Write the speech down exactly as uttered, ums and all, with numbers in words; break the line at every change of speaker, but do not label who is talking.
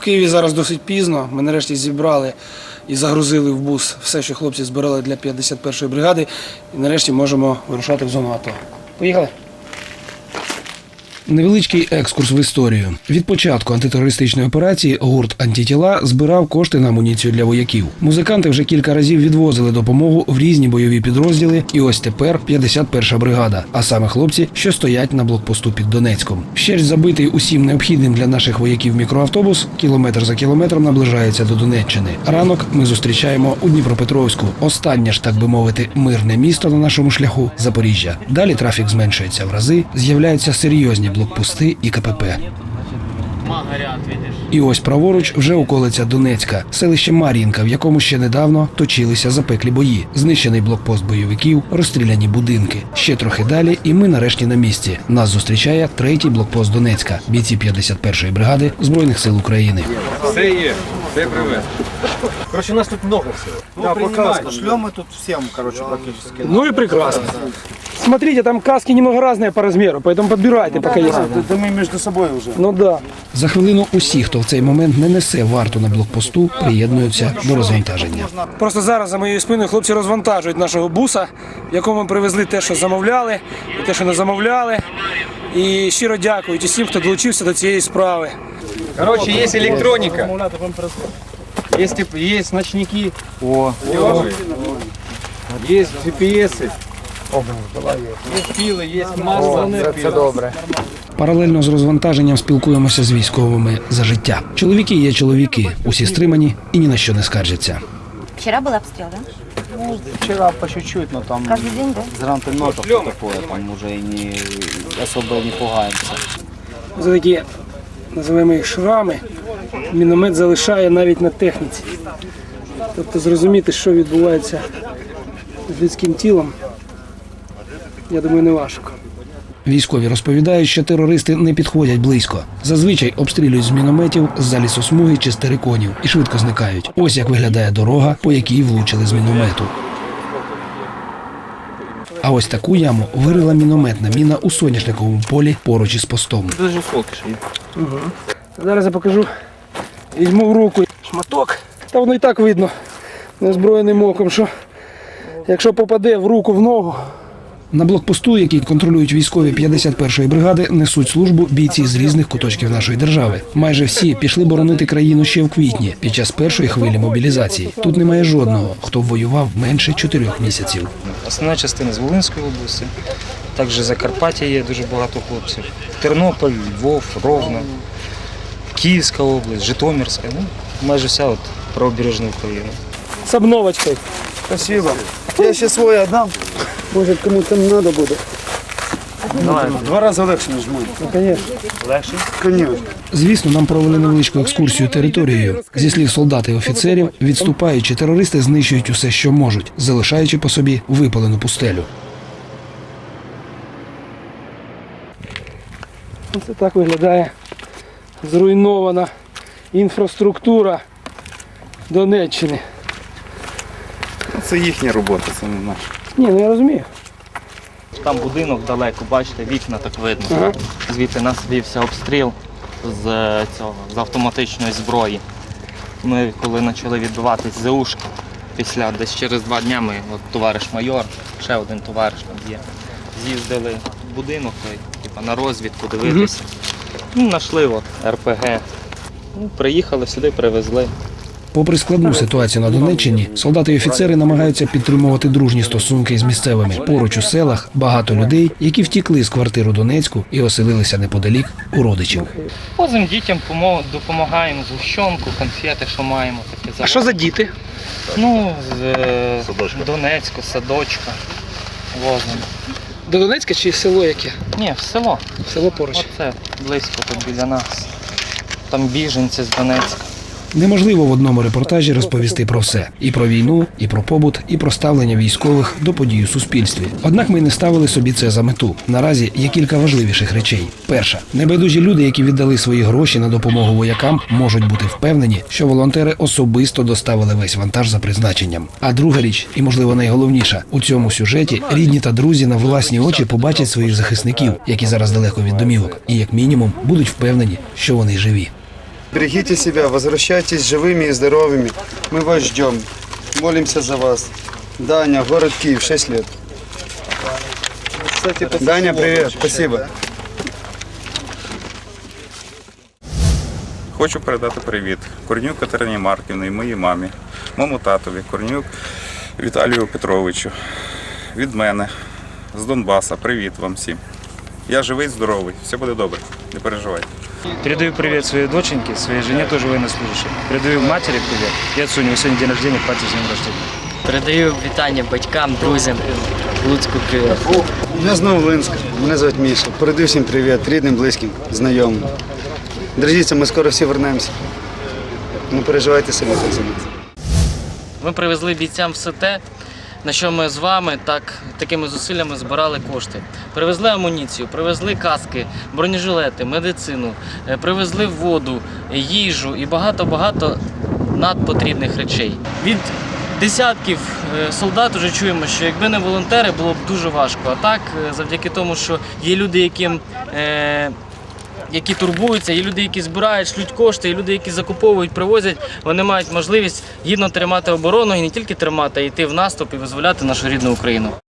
Києві зараз досить пізно. Ми нарешті зібрали і загрузили в бус все, що хлопці збирали для п'ятдесят першої бригади. І нарешті можемо вирушати в зону АТО. Поїхали? Невеличкий екскурс в історію. Від початку антитерористичної операції гурт «Антитіла» збирав кошти на амуніцію для вояків. Музиканти вже кілька разів відвозили допомогу в різні бойові підрозділи, і ось тепер п'ятдесят перша бригада, а саме хлопці, що стоять на блокпосту під Донецьком. Вщерть забитий усім необхідним для наших вояків мікроавтобус кілометр за кілометром наближається до Донеччини. Ранок ми зустрічаємо у Дніпропетровську. Останнє ж, так би мовити, мирне місто на нашому шляху – Запоріжжя. Далі трафік зменшується в рази, з'являються серйозні блокпости і КПП. І ось праворуч вже околиця Донецька, селище Мар'їнка, в якому ще недавно точилися запеклі бої. Знищений блокпост бойовиків, розстріляні будинки. Ще трохи далі і ми нарешті на місці. Нас зустрічає третій блокпост Донецька, бійці п'ятдесят першої бригади Збройних сил України.
Все є, все привез.
Короче, у нас тут много всего.
Ну, да, пока шлем мы тут всем, короче, практически.
Ну и прекрасно. Смотрите, там каски немного разные по размеру, поэтому подбирайте, пока есть.
Да мы между собой уже.
Ну да. За хвилину усі, хто в цей момент не несе варту на блокпосту, приєднуються до розвантаження. Просто зараз за моєю спиною хлопці розвантажують нашого буса, в якому ми привезли те, що замовляли, і те, що не замовляли. І щиро дякують усім, хто долучився до цієї справи.
Короче, есть электроника, есть, есть ночники,
О,
есть джи пі еси, есть піли, есть масло.
це добре.
Паралельно з розвантаженням спілкуємося з військовими за життя. Чоловіки є чоловіки, усі стримані і ні на що не скаржаться.
Вчера был обстрел, да?
Ну, вчера по чуть-чуть, но там
Каждый день, да?
с гранатометов такое, там уже и не особо не пугаемся.
За такі, називаємо їх шрами, міномет залишає навіть на техніці. Тобто зрозуміти, що відбувається з людським тілом, я думаю, не важко. Військові розповідають, що терористи не підходять близько. Зазвичай обстрілюють з мінометів, з-за лісосмуги чи з териконів і швидко зникають. Ось як виглядає дорога, по якій влучили з міномету. А ось таку яму вирила мінометна міна у соняшниковому полі поруч із постом.
Дуже осколки ж є.
Угу. Зараз я покажу. Візьму в руку шматок. Та воно і так видно неозброєним оком, що якщо попаде в руку, в ногу. На блокпосту, який контролюють військові п'ятдесят першої бригади, несуть службу бійці з різних куточків нашої держави. Майже всі пішли боронити країну ще в квітні, під час першої хвилі мобілізації. Тут немає жодного, хто воював менше чотирьох місяців.
Основна частина з Волинської області, також Закарпаття є дуже багато хлопців. Тернопіль, Львов, Ровно, Київська область, Житомирська, ну, майже вся от правобережна Україна.
З обновочкою.
Спасибо. Я ще свой отдам.
Може, кому-то треба буде.
Давай, два рази легше нажму.
Ну, звісно.
Легше? Конечно.
Звісно, нам провели невеличку екскурсію територією. Зі слів солдат і офіцерів, відступаючи, терористи знищують усе, що можуть, залишаючи по собі випалену пустелю. Це так виглядає зруйнована інфраструктура Донеччини.
Це їхня робота, це не наша.
Ні, ну я розумію.
Там будинок далеко, бачите, вікна так видно.
Ага.
Звідти нас вівся обстріл з, цього, з автоматичної зброї. Ми коли почали відбиватись з ушки, після десь через два дні ми, от, товариш майор, ще один товариш там є, з'їздили в будинок типу, на розвідку дивитися. Ну, знайшли от, ер пе ге. Ну, приїхали сюди, привезли.
Попри складну ситуацію на Донеччині, солдати і офіцери намагаються підтримувати дружні стосунки з місцевими. Поруч у селах багато людей, які втікли з квартир у Донецьку і оселилися неподалік у родичів.
Возимо дітям, допомагаємо згущенку, конфети, що маємо. Таке.
А що за діти?
Ну, з е, Донецьку, садочка возимо.
До Донецька чи село яке?
Ні, в село.
Село поруч.
Оце близько тут біля нас. Там біженці з Донецька.
Неможливо в одному репортажі розповісти про все. І про війну, і про побут, і про ставлення військових до подій у суспільстві. Однак ми не ставили собі це за мету. Наразі є кілька важливіших речей. Перша. Небайдужі люди, які віддали свої гроші на допомогу воякам, можуть бути впевнені, що волонтери особисто доставили весь вантаж за призначенням. А друга річ, і можливо найголовніша, у цьому сюжеті рідні та друзі на власні очі побачать своїх захисників, які зараз далеко від домівок, і як мінімум будуть впевнені, що вони живі.
Берегите себя, возвращайтесь живыми и здоровыми. Мы вас ждем. Молимся за вас. Даня, город Киев, шесть лет.
Кстати, по
Даня, привет, спасибо.
Хочу передати привіт Корнюк Катерині Марківні, моїй мамі, моєму татові, Корнюк Віталію Петровичу. Від мене, з Донбаса, привіт вам всім. Я живий, здоровий, все буде добре, не переживайте.
Передаю привет своей доченьке, своей жене, тоже военнослужащей. Передаю матери привет. И отцу, у него сегодня день рождения, пати с днем рождения.
Передаю вітання батькам, друзям, Луцьку привіт.
Я знову Линськ, мене звуть Міша. Передаю всім привіт, рідним, близьким, знайомим. Держіться, ми скоро всі вернемося. Не переживайте самі за нас.
Ми привезли бійцям все те, на що ми з вами так, такими зусиллями збирали кошти. Привезли амуніцію, привезли каски, бронежилети, медицину, е, привезли воду, їжу і багато-багато надпотрібних речей. Від десятків е, солдат вже чуємо, що якби не волонтери, було б дуже важко. А так, е, завдяки тому, що є люди, яким е, які турбуються, є люди, які збирають, шлють кошти, є люди, які закуповують, привозять, вони мають можливість гідно тримати оборону і не тільки тримати, а йти в наступ і визволяти нашу рідну Україну.